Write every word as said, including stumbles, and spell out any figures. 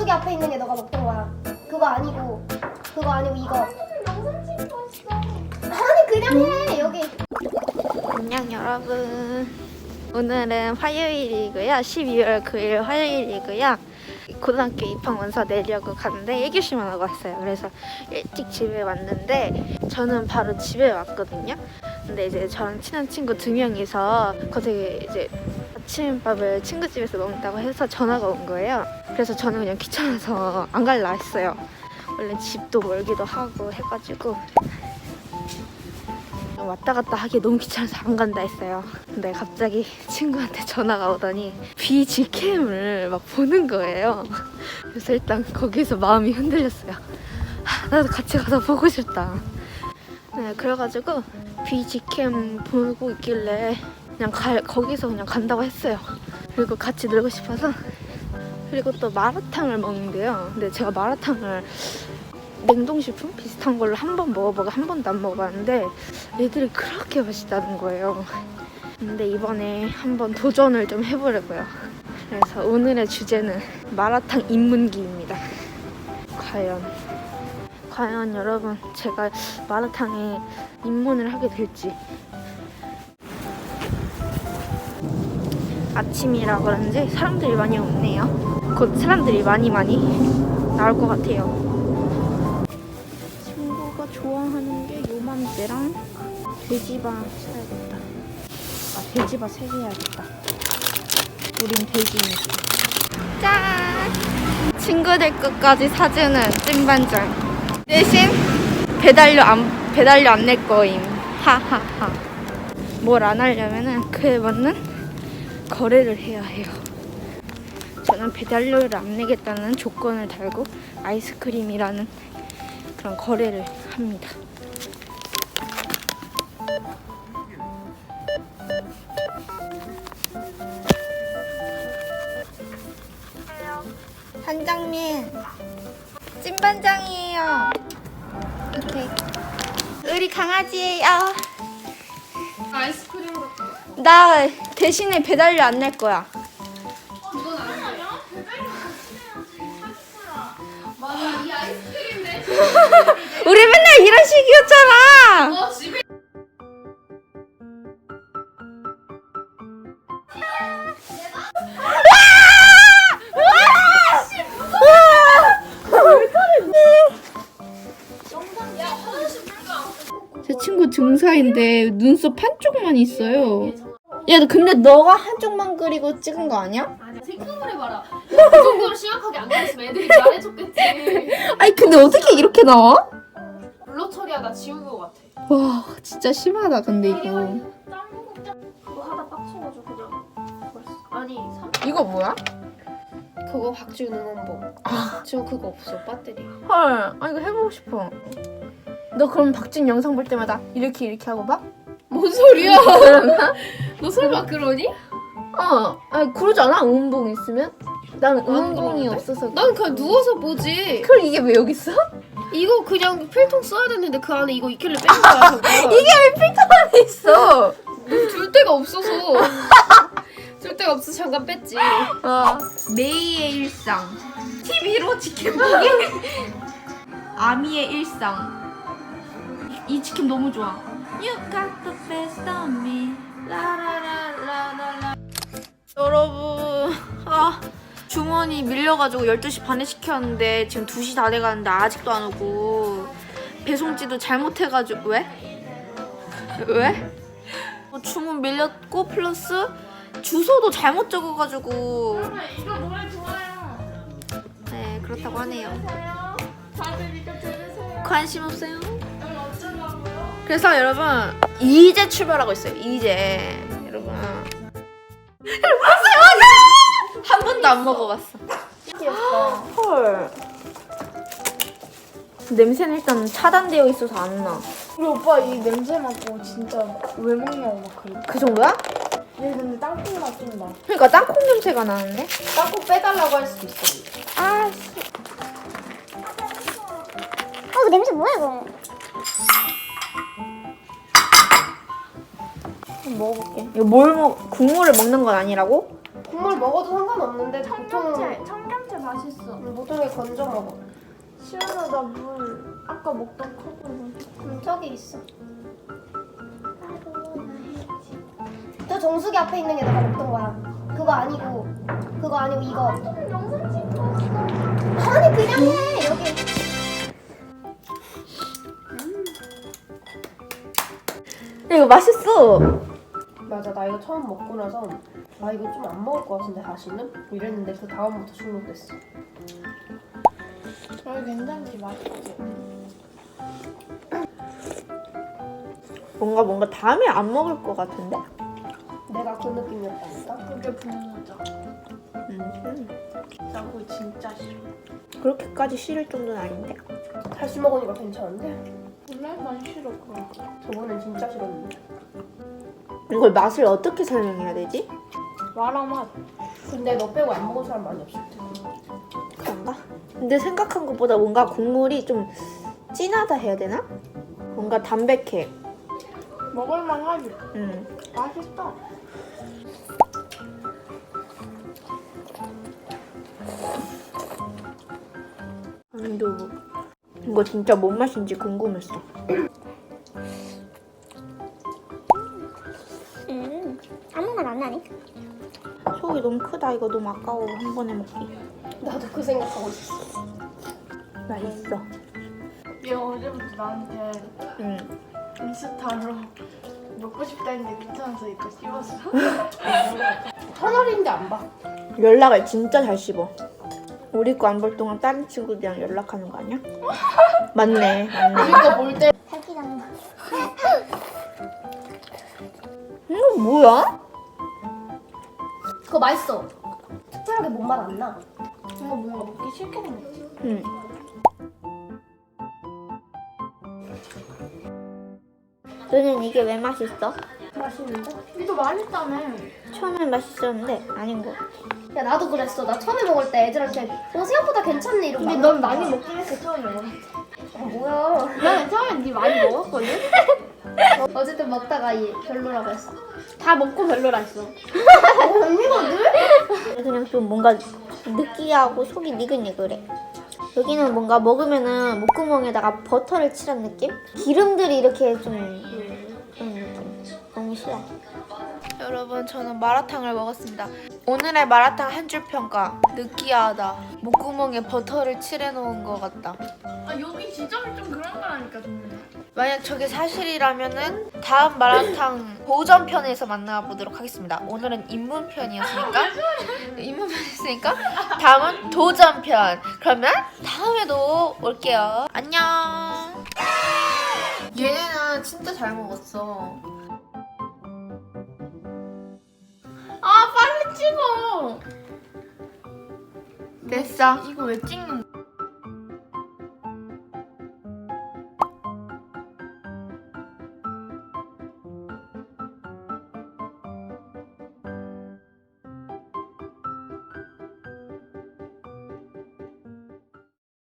저기 앞에 있는 게 너가 먹던 거야. 그거 아니고 그거 아니고 이거. 영상 찍고 있어. 아니 그냥 해 여기. 안녕 여러분. 오늘은 화요일이고요. 십이월 구일 화요일이고요. 고등학교 입학 원서 내려고 갔는데 일 교시만 하고 왔어요. 그래서 일찍 집에 왔는데 저는 바로 집에 왔거든요. 근데 이제 저랑 친한 친구 두 명이서 거기 이제 아침밥을 친구 집에서 먹는다고 해서 전화가 온 거예요. 그래서 저는 그냥 귀찮아서 안 갈라 했어요. 원래 집도 멀기도 하고 해가지고 왔다 갔다 하기 너무 귀찮아서 안 간다 했어요. 근데 갑자기 친구한테 전화가 오더니 비지캠을 막 보는 거예요. 그래서 일단 거기서 마음이 흔들렸어요. 하, 나도 같이 가서 보고 싶다. 네, 그래가지고 비지캠 보고 있길래 그냥 가, 거기서 그냥 간다고 했어요. 그리고 같이 놀고 싶어서. 그리고 또 마라탕을 먹는데요. 근데 제가 마라탕을 냉동식품 비슷한 걸로 한 번 먹어보고 한 번도 안 먹어봤는데 애들이 그렇게 맛있다는 거예요. 근데 이번에 한번 도전을 좀 해보려고요. 그래서 오늘의 주제는 마라탕 입문기입니다. 과연 과연 여러분 제가 마라탕에 입문을 하게 될지. 아침이라 그런지 사람들이 많이 없네요. 곧 사람들이 많이 많이 나올 것 같아요. 좋아하는 게 요맘때랑 돼지바 사야겠다. 아, 돼지바 세 개 해야겠다. 우린 돼지니까. 짠! 친구들 것까지 사주는 찐반장. 대신 배달료 안 배달료 안 낼 거임. 하하하. 뭘 안 하려면은 그에 맞는 거래를 해야 해요. 저는 배달료를 안 내겠다는 조건을 달고 아이스크림이라는 그런 거래를 합니다. 반장님, 찐반장이에요. 이렇게 우리 강아지예요. 아이스크림 같은 거. 나 대신에 배달료 안 낼 거야. 이건 아니야? 맞아, 이 아이스크림 내. 우리 맨날 이런 식이었잖아. 어, 집에. 제 친구 등사인데 눈썹 한쪽만 있어요. 야, 근데 너가 한쪽만 그리고 찍은 거 아니야? 아니야, 생각을 해봐라. 그 정도로 심각하게 안 그렸으면 애들이 잘해줬겠지. 아니 근데 어떻게 이렇게 나와? 블러 처리하다 지운 거 같아. 와 진짜 심하다 근데 이거. 그거 하다 빡쳐가지고 그냥 버렸어. 아니, 삼... 이거 뭐야? 그거 박지훈 응원봉. 지금 그거 없어, 배터리. 헐, 아 이거 해보고 싶어. 너 그럼 박진 영상 볼 때마다 이렇게 이렇게 하고 봐? 뭔 소리야? 그러나? 너 설마 그러니? 어, 아니 그러지 않아? 응원봉 있으면? 난 응원봉이 그러는데? 없어서. 난 그냥 누워서 보지. 그럼 이게 왜 여기 있어? 이거 그냥 필통 써야 되는데 그 안에 이거 있길래 뺀 거야. 이게 왜 필터 안에 있어? 줄 데가 없어서. 줄 데가 없어서 잠깐 뺐지. 어. 메이의 일상, 티비로 치킨 보기, 아미의 일상. 이, 이 치킨 너무 좋아. You got the best of me. 라라라라라라. 여러분, 아 주머니 밀려가지고 열두 시 반에 시켰는데 지금 두 시 다 돼가는데 아직도 안 오고 배송지도 잘못해가지고. 왜? 왜? 어, 주문 밀렸고 플러스 주소도 잘못 적어가지고. 이거 노래 좋아요. 네 그렇다고 하네요. 다들 이거 들으세요. 관심 없어요. 여기 어쩌려고요? 그래서 여러분 이제 출발하고 있어요. 이제 여러분 봤어요 맞아. 한 번도 안 먹어봤어. 귀엽다. 헐. 냄새는 일단 차단되어 있어서 안 나. 우리 오빠 이 냄새 맡고 진짜 왜 먹냐고 막 그래. 그 정도야? 얘 근데 땅콩 맛 좀 나. 그러니까 땅콩 냄새가 나는데? 땅콩 빼달라고 할 수도 있어. 아 씨. 어 냄새 뭐야 이거? 한번 먹어볼게. 이거 뭘 먹? 국물을 먹는 건 아니라고? 국물 먹어도 상관없는데 보통 청경채, 청경채 맛있어. 뭐 보통에 건져 먹어. 시원하 나물 아까 먹던 컵으로. 음, 저기 있어. 저 정수기 앞에 있는 게 내가 먹던 거야. 그거 아니고 그거 아니고 이거. 영상 찍고 왔어. 아니 그냥 해 여기. 이거 맛있어. 맞아, 나 이거 처음 먹고 나서 아 이거 좀 안 먹을 것 같은데 다시는? 이랬는데 그 다음부터 중독됐어. 아 괜찮지 맛있지. 뭔가 뭔가 다음에 안 먹을 것 같은데? 내가 그 느낌이었다니까. 그게 분모자. 음. 나 그거 진짜 싫어. 그렇게까지 싫을 정도는 아닌데. 다시 먹으니까 괜찮은데? 원래 난 싫어 그거. 저번엔 진짜 싫었는데. 이걸 맛을 어떻게 설명해야 되지? 마라 맛. 근데 너 빼고 안 먹은 사람 많이 없을 텐데. 그런가? 근데 생각한 것보다 뭔가 국물이 좀 진하다 해야 되나? 뭔가 담백해. 먹을만 하지. 음. 맛있어. 아니도 이거 진짜 뭔 맛인지 궁금했어. 음, 아무 말 안 나네. 속이 너무 크다. 이거 너무 아까워. 한 번에 먹기. 나도 그 생각하고 있었어. 맛있어. 얘 어제부터 나한테 응. 인스타로 먹고 싶다 했는데 귀찮아서 이거 씹었어. 천 원인데 안 봐. 연락을 진짜 잘 씹어. 우리 거 안 볼 동안 다른 친구들이랑 연락하는 거 아니야? 맞네, 맞네. 이거 볼 때. 살기라는 거. 이거 뭐야? 그거 맛있어. 특별하게 뭔 맛 안 나. 이거 뭔가 먹기 싫게 생겼지. 응. 너는 이게 왜 맛있어? 맛있는데? 이거 맛있다며. 처음엔 맛있었는데 아닌 거. 야 나도 그랬어. 나 처음에 먹을 때 애들한테 어 생각보다 괜찮네 이러고. 근데 넌 많이 먹긴 했어 처음에 먹었을 때. 아, 뭐야. 나는 처음엔 네 많이 먹었거든? 어쨌든 먹다가 이 별로라고 했어. 다 먹고 별로라 했어. 언니거든? 그냥 좀 뭔가 느끼하고 속이 니글니글해. 여기는 뭔가 먹으면은 목구멍에다가 버터를 칠한 느낌? 기름들이 이렇게 좀 그런 느낌. 너무 싫어. 여러분, 저는 마라탕을 먹었습니다. 오늘의 마라탕 한 줄 평가. 느끼하다. 목구멍에 버터를 칠해놓은 것 같다. 아 여기 지점이 좀 그런 거라니까 정말. 만약 저게 사실이라면은 다음 마라탕 고전편에서 만나보도록 하겠습니다. 오늘은 입문편이었으니까 입문편이었으니까 다음은 도전편. 그러면 다음에도 올게요. 안녕. 얘네는 진짜 잘 먹었어. 아 빨리 찍어. 됐어. 이거 왜 찍는